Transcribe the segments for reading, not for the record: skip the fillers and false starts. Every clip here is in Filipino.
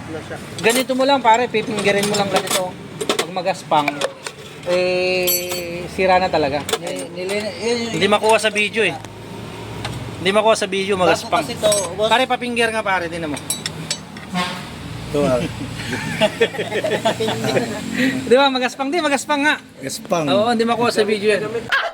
na siya. Ganito mo lang pare, pipinggirin mo lang ganito. Pag magaspang, sira na talaga. Hindi makuha sa video eh. Hindi makuha sa video, magaspang. Kasi to, boss. Pare, papinggir nga pare, tinan mo. Ito ah. Di ba, magaspang? Di, magaspang nga. Gaspang. Oo, hindi makuha sa video yan.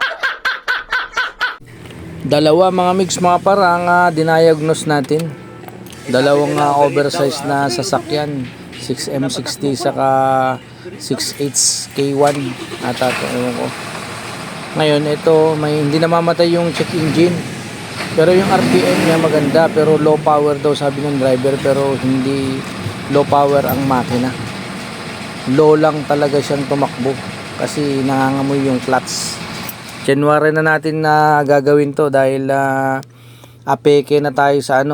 Dalawa mga mix mga parang dinayagnos natin. Dalawang oversized na sasakyan. 6M60 saka 6H K1 ata ito. Ko. Ngayon ito may hindi namamatay yung check engine. Pero yung RPM niya maganda pero low power daw sabi ng driver pero hindi low power ang makina. Low lang talaga siyang tumakbo kasi nangangamoy yung clutch. January na natin na gagawin to dahil apeke na tayo sa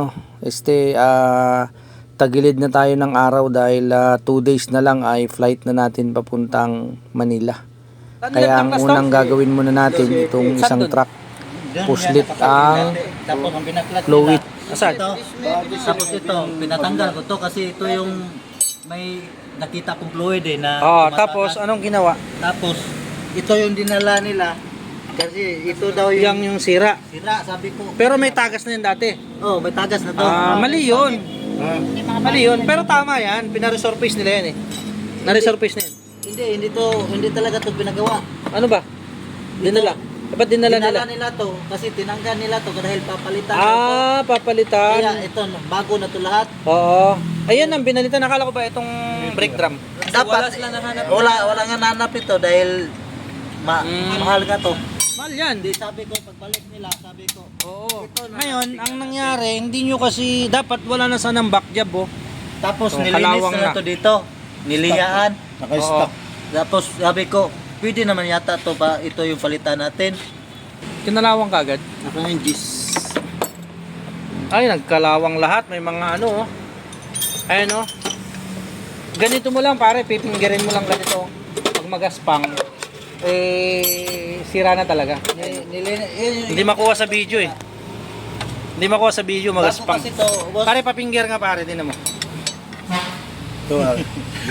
tagilid na tayo ng araw dahil 2 days na lang ay flight na natin papuntang Manila. Kaya ang unang gagawin muna natin itong isang truck puslit ang fluid. Asad? Tapos ito, pinatanggal ko to kasi ito yung may nakita kong fluid na Tapos anong ginawa? Tapos ito yung dinala nila kasi ito daw yung sira. sira, sabi ko. Pero may tagas na yun dati. Oh, may tagas na to. Mali yun. Mali yun. Pero tama yan. Pina-resurface nila yan eh. Na-resurface na yan. Hindi talaga to pinagawa. Ano ba? Dinala. Ba't dinala nila? Dinala nila to kasi tinanggal nila to dahil papalitan. Papalitan. Kaya ito, bago na to lahat. Oo. Ayun ang binalitan. Nakala ko ba itong brake drum? Dapat wala nga nanap ito dahil mahal nga to. Mahal yan. Hindi, sabi ko pagbalik nila, sabi ko. Oo. Ngayon, ang nangyari, hindi nyo kasi dapat wala na sanang back job Tapos So, nilinis kalawang na to dito. Niliyaan. Naka-stock. Tapos sabi ko, pwede naman yata to ba ito yung palitan natin. Kinalawang kagad. Naka-ingis. Ay, nagkalawang lahat. May mga Ayan Ganito mo lang pare, pipinggirin mo lang ganito. Pag magaspang, sira na talaga. Hindi makuha sa video eh. Hindi makuha sa video, magaspang. Kasi to, boss. Pare, papinggir nga pare, tinan mo. Ito ah.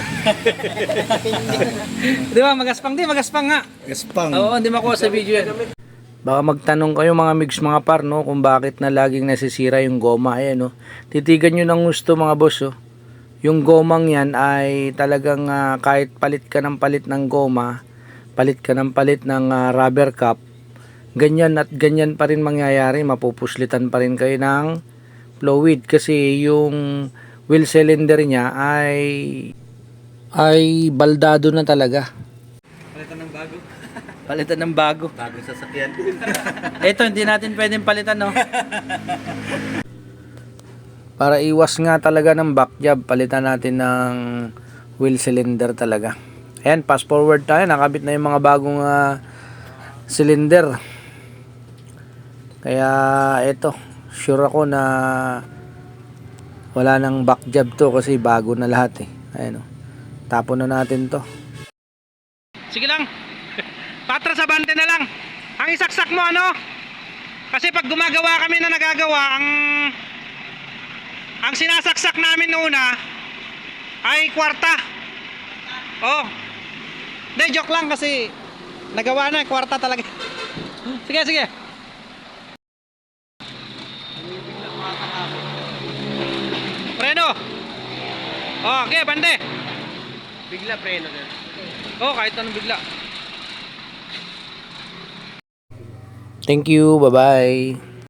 Di ba, magaspang? Di, magaspang nga. Gaspang. Oo, hindi makuha sa video yan. Baka magtanong kayo mga mix mga par kung bakit na laging nasisira yung goma. Ayan titigan nyo ng gusto mga boss Yung gomang yan ay talagang kahit palit ka ng palit ng goma, palit ka ng palit ng rubber cap, ganyan at ganyan pa rin mangyayari, mapupuslitan pa rin kayo ng fluid kasi yung wheel cylinder niya ay baldado na talaga. Palitan ng bago. Palitan ng bago. Bagong sasakyan. Ito hindi natin pwedeng palitan Para iwas nga talaga ng back job, palitan natin ng wheel cylinder talaga. Ayan, fast forward tayo, nakabit na yung mga bagong cylinder. Kaya ito, sure ako na wala nang back job to kasi bago na lahat Ayan tapon na natin to. Sige lang. Patras abante na lang. Ang isaksak mo kasi pag gumagawa kami na nagagawa, ang sinasaksak namin una ay kwarta. Hindi, joke lang kasi nagawa na, kwarta talaga. Sige. Preno. Okay, bande. Bigla preno din. Kahit anong bigla. Thank you, bye-bye.